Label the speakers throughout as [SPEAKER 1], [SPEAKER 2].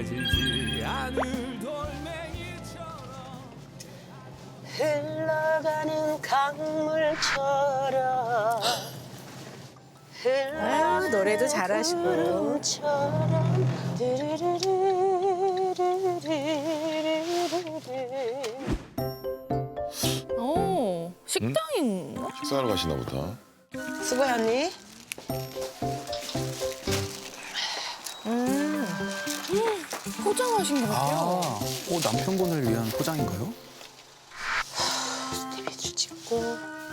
[SPEAKER 1] 정해지지 않을 돌멩이처럼
[SPEAKER 2] 흘러가는 강물처럼
[SPEAKER 3] 아유, 노래도 잘하시고.
[SPEAKER 2] 구름처럼
[SPEAKER 4] 오, 식당인가?
[SPEAKER 5] 식사하러 가시나 보다.
[SPEAKER 2] 수고해 언니.
[SPEAKER 4] 포장하신 것 같아요.
[SPEAKER 6] 아, 남편분을 위한 포장인가요?
[SPEAKER 2] 스테비주 찍고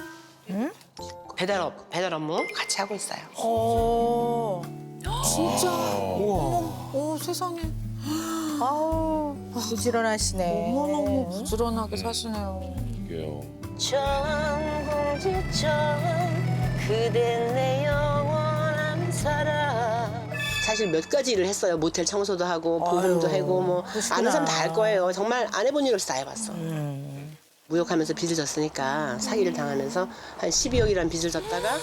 [SPEAKER 2] 배달 업무 같이 하고 있어요.
[SPEAKER 4] 어, 진짜.
[SPEAKER 6] 우와.
[SPEAKER 4] 오, 세상에.
[SPEAKER 3] 아우, 부지런하시네.
[SPEAKER 4] 너무너무 부지런하게 사시네요.
[SPEAKER 5] 이게요.
[SPEAKER 2] 천공지천 그댄 내 영원한 사랑. 사실 몇 가지 일을 했어요. 모텔 청소도 하고 보험도 하고 뭐 아는 사람 다 할 거예요. 정말 안 해본 일 없이 다 해봤어. 무역하면서 빚을 졌으니까 사기를 당하면서 한 12억이라는 빚을 졌다가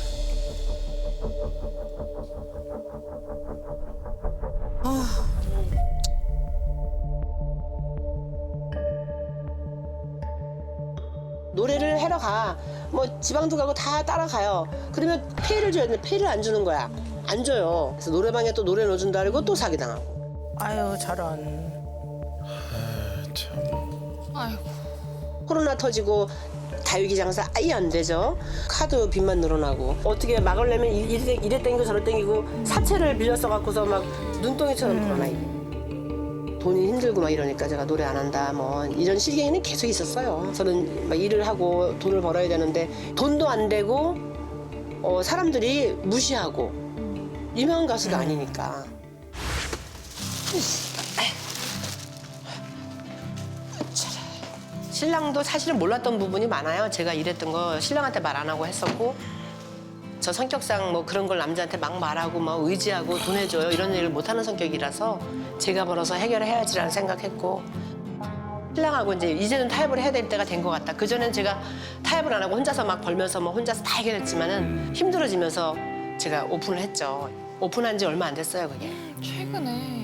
[SPEAKER 2] 노래를 하러 가. 뭐 지방도 가고 다 따라가요. 그러면 페이를 줘야 되는데 페이를 안 주는 거야. 안 줘요. 그래서 노래방에 또 노래 넣어준다 그러고 또 사기당하고.
[SPEAKER 3] 아유, 저런.
[SPEAKER 5] 참.
[SPEAKER 4] 아이고.
[SPEAKER 2] 코로나 터지고 다육이 장사 아예 안 되죠. 카드 빚만 늘어나고 어떻게 막으려면 이래 땡기고 저래 땡기고 사채를 빌려 써갖고서 막 눈덩이처럼 늘어나 이게. 돈이 힘들고 막 이러니까 제가 노래 안 한다 뭐 이런 실갱이는 계속 있었어요. 저는 막 일을 하고 돈을 벌어야 되는데 돈도 안 되고 사람들이 무시하고 유명한 가수도 아니니까. 신랑도 사실은 몰랐던 부분이 많아요. 제가 이랬던 거 신랑한테 말 안 하고 했었고 저 성격상 뭐 그런 걸 남자한테 막 말하고 막 의지하고 돈 해줘요 이런 일을 못하는 성격이라서 제가 벌어서 해결해야지라는 생각했고 신랑하고 이제는 타협을 해야 될 때가 된 것 같다. 그전엔 제가 타협을 안 하고 혼자서 막 벌면서 뭐 혼자서 다 해결했지만은 힘들어지면서 제가 오픈을 했죠. 오픈한 지 얼마 안 됐어요 그게.
[SPEAKER 4] 최근에.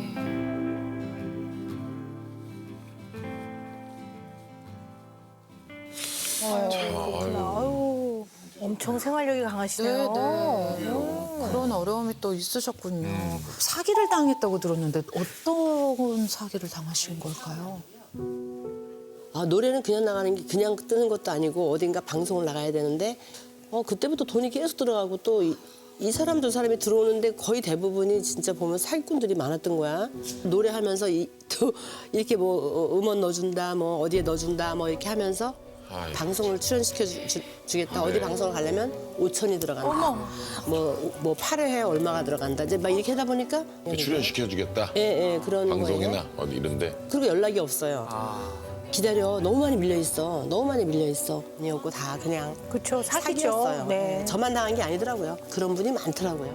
[SPEAKER 3] 아유, 엄청 생활력이 강하시네요.
[SPEAKER 4] 그런 어려움이 또 있으셨군요. 사기를 당했다고 들었는데 어떤 사기를 당하신 걸까요?
[SPEAKER 2] 아, 노래는 그냥 나가는 게 그냥 뜨는 것도 아니고 어딘가 방송을 나가야 되는데 그때부터 돈이 계속 들어가고 또 이 사람 저 사람이 들어오는데 거의 대부분이 진짜 보면 사기꾼들이 많았던 거야. 노래하면서 또 이렇게 뭐 음원 넣어준다 뭐 어디에 넣어준다 뭐 이렇게 하면서
[SPEAKER 5] 아이고.
[SPEAKER 2] 방송을 출연시켜 주겠다. 어디 방송을 가려면 5천이 들어간다. 뭐 8회에 얼마가 들어간다. 이제 막 이렇게 하다 보니까
[SPEAKER 5] 출연시켜주겠다.
[SPEAKER 2] 예, 그런
[SPEAKER 5] 방송이나
[SPEAKER 2] 거예요.
[SPEAKER 5] 어디 이런데.
[SPEAKER 2] 그리고 연락이 없어요. 기다려. 너무 많이 밀려 있어. 아니었고 다 그냥
[SPEAKER 3] 그쵸, 사기죠.
[SPEAKER 2] 사기였어요.
[SPEAKER 3] 네.
[SPEAKER 2] 저만 당한 게 아니더라고요. 그런 분이 많더라고요.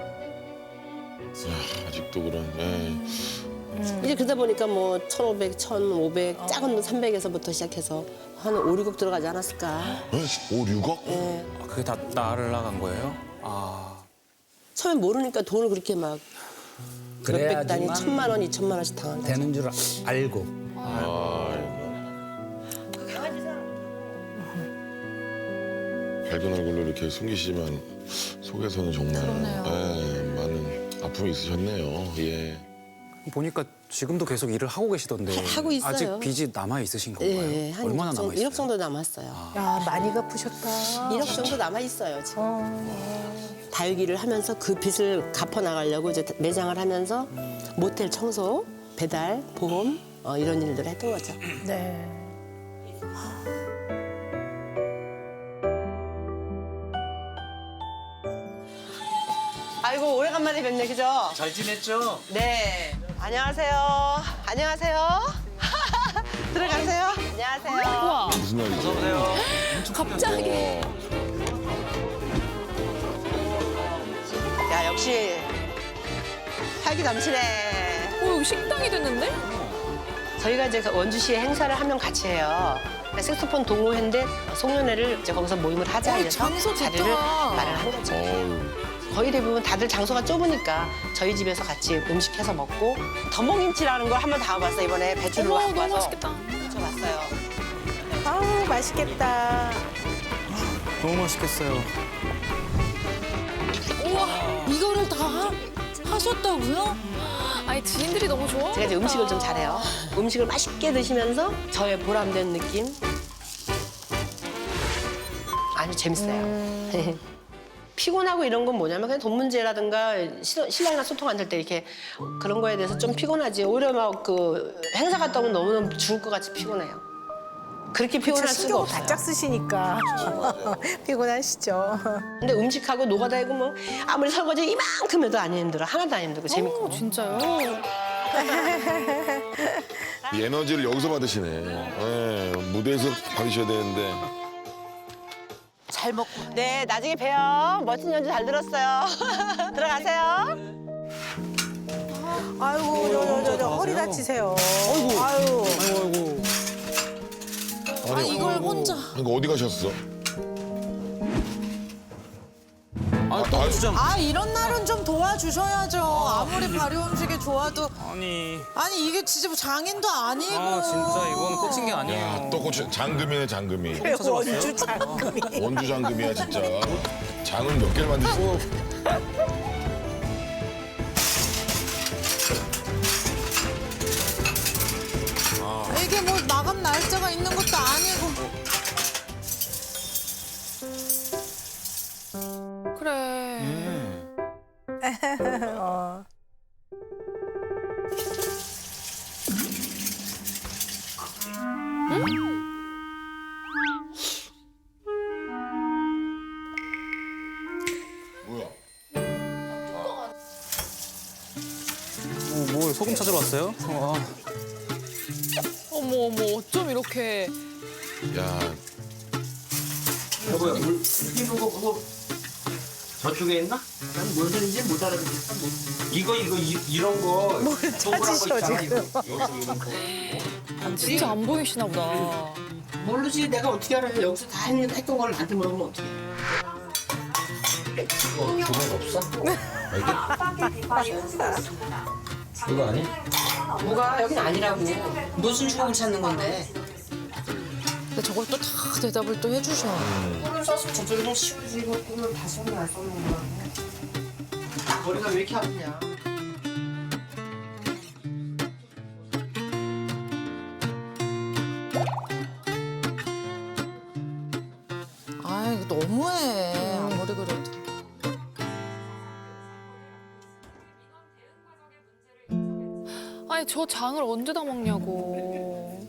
[SPEAKER 5] 아직도 그런. 예.
[SPEAKER 2] 이제 그러다 보니까 뭐 1,500, 1,500, 작은 돈 300에서부터 시작해서 한 5, 6억 들어가지 않았을까.
[SPEAKER 5] 5, 6억?
[SPEAKER 2] 예.
[SPEAKER 6] 아, 그게 다 날아간 거예요? 아.
[SPEAKER 2] 처음에 모르니까 돈을 그렇게 막 몇백 단위, 1,000만 원, 2,000만 원씩 당한다.
[SPEAKER 7] 되는 줄 알고.
[SPEAKER 5] 아이고. 밝은 얼굴로 이렇게 숨기시지만 속에서는 정말 많은 아픔이 있으셨네요. 예.
[SPEAKER 6] 보니까 지금도 계속 일을 하고 계시던데.
[SPEAKER 2] 하고 있어요.
[SPEAKER 6] 아직 빚이 남아있으신 건가요?
[SPEAKER 2] 예, 한
[SPEAKER 6] 얼마나
[SPEAKER 2] 1억 정도,
[SPEAKER 6] 남아있어요?
[SPEAKER 2] 1억 정도 남았어요.
[SPEAKER 3] 야, 많이 갚으셨다.
[SPEAKER 2] 1억 정도 남아있어요, 지금. 다육이를 하면서 그 빚을 갚아나가려고 이제 매장을 하면서 모텔 청소, 배달, 보험 이런 일들을 했던 거죠.
[SPEAKER 3] 네.
[SPEAKER 2] 아이고 오래간만에 뵙네, 그죠?
[SPEAKER 7] 잘 지냈죠?
[SPEAKER 2] 네. 안녕하세요. 안녕하세요. 들어가세요. 안녕하세요.
[SPEAKER 5] 무슨 날이죠?
[SPEAKER 7] 어서오세요.
[SPEAKER 4] 갑자기.
[SPEAKER 2] 야 역시 활기 넘치네.
[SPEAKER 4] 여기 식당이 됐는데?
[SPEAKER 2] 저희가 이제 원주시에 행사를 하면 같이 해요. 색소폰 동호회인데 송년회를 이제 거기서 모임을 하자
[SPEAKER 4] 어이,
[SPEAKER 2] 해서
[SPEAKER 4] 장소 좋다.
[SPEAKER 2] 자리를 마련한 거죠.
[SPEAKER 5] 어우.
[SPEAKER 2] 거의 대부분 다들 장소가 좁으니까 저희 집에서 같이 음식해서 먹고 덤벙김치라는 걸 한번 담아봤어요. 이번에 배추를
[SPEAKER 4] 어머,
[SPEAKER 2] 갖고
[SPEAKER 4] 너무
[SPEAKER 2] 와서
[SPEAKER 4] 맛있겠다.
[SPEAKER 2] 붙여봤어요.
[SPEAKER 3] 아우 맛있겠다.
[SPEAKER 6] 너무 맛있겠어요.
[SPEAKER 4] 우와, 이거를 다 하셨다고요? 아니, 지인들이 너무 좋아.
[SPEAKER 2] 제가 이제 음식을 좀 잘해요. 음식을 맛있게 드시면서 저의 보람된 느낌. 아주 재밌어요. 피곤하고 이런 건 뭐냐면 그냥 돈 문제라든가 신랑이랑 소통 안 될 때 이렇게 그런 거에 대해서 좀 피곤하지. 오히려 막 그 행사 갔다 오면 너무너무 죽을 것 같이 피곤해요. 그렇게 피곤할 수가
[SPEAKER 3] 신경을
[SPEAKER 2] 없어요.
[SPEAKER 3] 바짝 쓰시니까 피곤하시죠.
[SPEAKER 2] 근데 음식하고 노가다이고 뭐 아무리 설거지 이만큼 해도 안 힘들어. 하나도 안 힘들고 재밌고.
[SPEAKER 4] 오, 진짜요?
[SPEAKER 5] 이 에너지를 여기서 받으시네. 예, 무대에서 받으셔야 되는데.
[SPEAKER 3] 잘 먹고.
[SPEAKER 2] 네, 나중에 봬요. 멋진 연주 잘 들었어요. 들어가세요.
[SPEAKER 3] 아이고 저 허리 다치세요. 아이고.
[SPEAKER 6] 아이고 아이고.
[SPEAKER 5] 아니,
[SPEAKER 4] 이걸 혼자.
[SPEAKER 5] 이거 어디 가셨어?
[SPEAKER 6] 아, 또 주장.
[SPEAKER 8] 아 이런 날은 좀 도와주셔야죠. 아무리 발효 음식이 좋아도
[SPEAKER 6] 아니.
[SPEAKER 8] 아니 이게 진짜 뭐 장인도 아니고.
[SPEAKER 6] 아, 진짜 이건 꽂힌 게 아니에요.
[SPEAKER 5] 야, 또 고추 장금이네, 장금이.
[SPEAKER 3] 원주 장금이.
[SPEAKER 5] 원주 장금이야, 진짜. 장은 몇 개를 만드시고.
[SPEAKER 8] 이게 뭐 마감 날짜가 있는 것도 아니고.
[SPEAKER 4] 그래.
[SPEAKER 3] 어.
[SPEAKER 5] 뭐야?
[SPEAKER 6] 뭘 소금 찾으러 왔어요?
[SPEAKER 4] 어머, 어머, 어쩜 이렇게.
[SPEAKER 5] 야,
[SPEAKER 7] 여보야 물 튀는 거 그거 저쪽에 있나? 난 뭔 소리인지 못 알아듣겠어. 이거 이런 거
[SPEAKER 3] 뭘 찾으셔 지금.
[SPEAKER 4] 진짜 안 보이시나 보다.
[SPEAKER 2] 모르지. 내가 어떻게 알아요. 여기서 다 했던 걸 나한테 물어보면 어떡해.
[SPEAKER 7] 주문 없어? 이거 아니?
[SPEAKER 2] 뭐가 여긴 아니라고. 무슨 주먹을 찾는 건데.
[SPEAKER 8] 근데 저걸 또 다 대답을 또 해주셔.
[SPEAKER 2] 꿀을 써서 저쪽에서 씌워지고 꿀을 다 쏘면 안 쏘는 거야. 머리가 왜 이렇게 아프냐.
[SPEAKER 8] 아 이거 너무해. 아무리 그래도.
[SPEAKER 4] 아니, 저 장을 언제 다 먹냐고.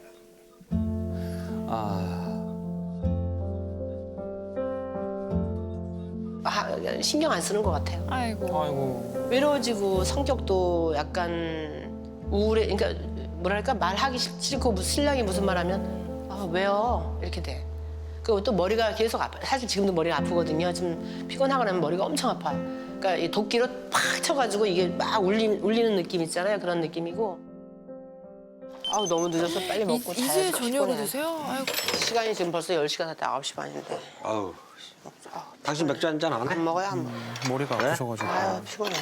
[SPEAKER 2] 신경 안 쓰는 것 같아요.
[SPEAKER 4] 아이고.
[SPEAKER 6] 아이고.
[SPEAKER 2] 외로워지고 성격도 약간 우울해. 그러니까 뭐랄까 말하기 싫고 신랑이 무슨 말하면 아 왜요 이렇게 돼. 그리고 또 머리가 계속 아파. 사실 지금도 머리가 아프거든요. 좀 피곤하고 나면 머리가 엄청 아파요. 그러니까 이 도끼로 팍 쳐가지고 이게 막 울리는 느낌 있잖아요. 그런 느낌이고. 아우 너무 늦어서 빨리 먹고
[SPEAKER 4] 이제
[SPEAKER 2] 자야지.
[SPEAKER 4] 저녁을
[SPEAKER 2] 피곤해.
[SPEAKER 4] 드세요? 아이고.
[SPEAKER 2] 시간이 지금 벌써 10시가 됐다. 9시 반인데.
[SPEAKER 7] 아우. 당신 맥주 한잔 안 해?
[SPEAKER 2] 안 먹어요 안 먹어요.
[SPEAKER 6] 머리가 아프셔가지고.
[SPEAKER 2] 아유 피곤해.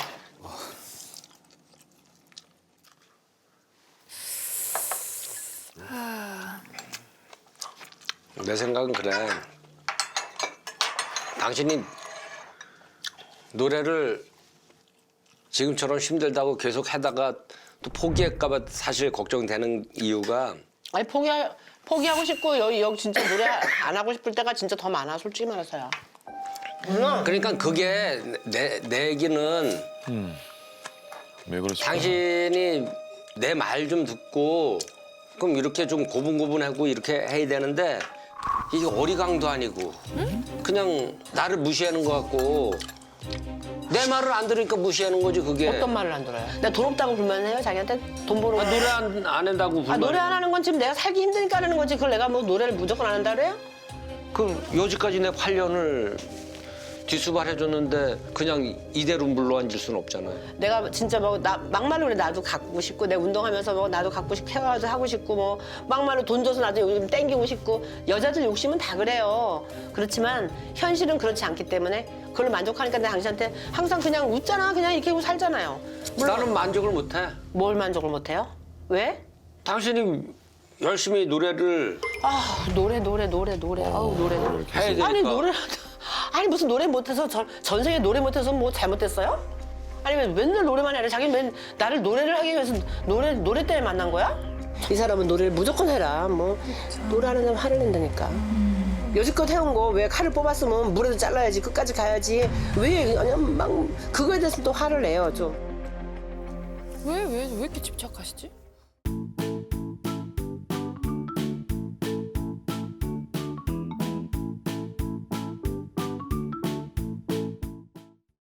[SPEAKER 9] 내 생각은 그래. 당신이 노래를 지금처럼 힘들다고 계속 하다가 또 포기할까봐 사실 걱정되는 이유가
[SPEAKER 2] 아니 포기하고 싶고 여기 진짜 노래 안 하고 싶을 때가 진짜 더 많아 솔직히 말해서요.
[SPEAKER 9] 그러니까 그게 내 얘기는
[SPEAKER 5] 왜 그러실까?
[SPEAKER 9] 당신이 내 말 좀 듣고 그럼 이렇게 좀 고분고분하고 이렇게 해야 되는데 이게 어리광도 아니고 그냥 나를 무시하는 것 같고 내 말을 안 들으니까 무시하는 거지 그게.
[SPEAKER 2] 어떤 말을 안 들어요? 내가 돈 없다고 불만해요? 자기한테 돈 버는 거.
[SPEAKER 9] 노래 안 한다고 불만.
[SPEAKER 2] 노래 안 하는 건 지금 내가 살기 힘드니까 하는 거지. 그걸 내가 뭐 노래를 무조건 안 한다 그래요?
[SPEAKER 9] 그 여지까지 내 8년을 뒷수발해줬는데 그냥 이대로 물러앉을 수는 없잖아요.
[SPEAKER 2] 내가 진짜 뭐 막말로 그래 나도 갖고 싶고 내가 운동하면서 뭐 나도 갖고 싶고 헤어도 하고 싶고 뭐 막말로 돈 줘서 나도 요즘 땡기고 싶고 여자들 욕심은 다 그래요. 그렇지만 현실은 그렇지 않기 때문에 그걸로 만족하니까 내가 당신한테 항상 그냥 웃잖아. 그냥 이렇게 하고 살잖아요. 물론
[SPEAKER 9] 나는 만족을 못해.
[SPEAKER 2] 뭘 만족을 못해요? 왜?
[SPEAKER 9] 당신이 열심히 노래를
[SPEAKER 2] 아 노래. 아우 노래.
[SPEAKER 9] 해야 되니까.
[SPEAKER 2] 아니 노래 아니 무슨 노래 못해서 전생에 노래 못해서 뭐 잘못했어요? 아니면 맨날 노래만 해라. 자기는 맨 나를 노래를 하기 위해서 노래 때문에 만난 거야? 이 사람은 노래를 무조건 해라. 뭐 노래하는 사람 화를 낸다니까. 여지껏 해온 거 왜 칼을 뽑았으면 물에도 잘라야지 끝까지 가야지 왜 그냥 막 그거에 대해서 또 화를 내요 좀.
[SPEAKER 4] 왜 이렇게 집착하시지?